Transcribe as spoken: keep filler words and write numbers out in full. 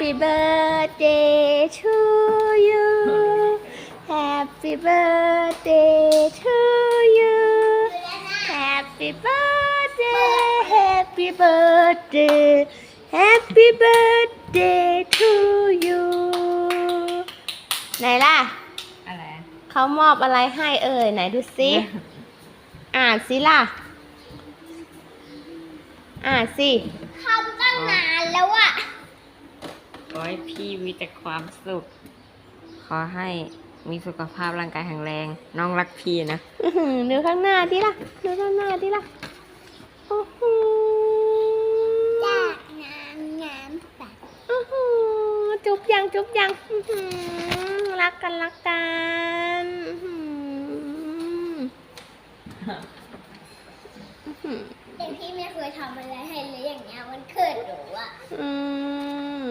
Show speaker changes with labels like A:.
A: Happy birthday to you Happy birthday to you Happy birthday Happy birthday Happy birthday to you ไหนล่ะ
B: อะไร
A: เขามอบอะไรให้เอ่ยไหนดูสิ อ่านสิล่ะ อ่านสิ
C: ทำตั้งนานแล้วอะ
B: ขอให้พี่มีแต่ความสุข ขอให้มีสุขภาพร่างกายแข็งแรง น้องรักพี่นะ
A: อื้อหือดูข้างหน้าดิล่ะ ดูข้างหน้าดิล่ะโอ้โห
C: จากน้ำน้ำใส
A: โอ้โหจุ๊บยังจุ๊บยังอื้อหือรักกันรักกันอื้อหืออื้อหือ
C: แต่พี่ไม่เคยทำอะไรให้เลยอย่างเงี้ยมันเกิดหนูอะ
A: อืม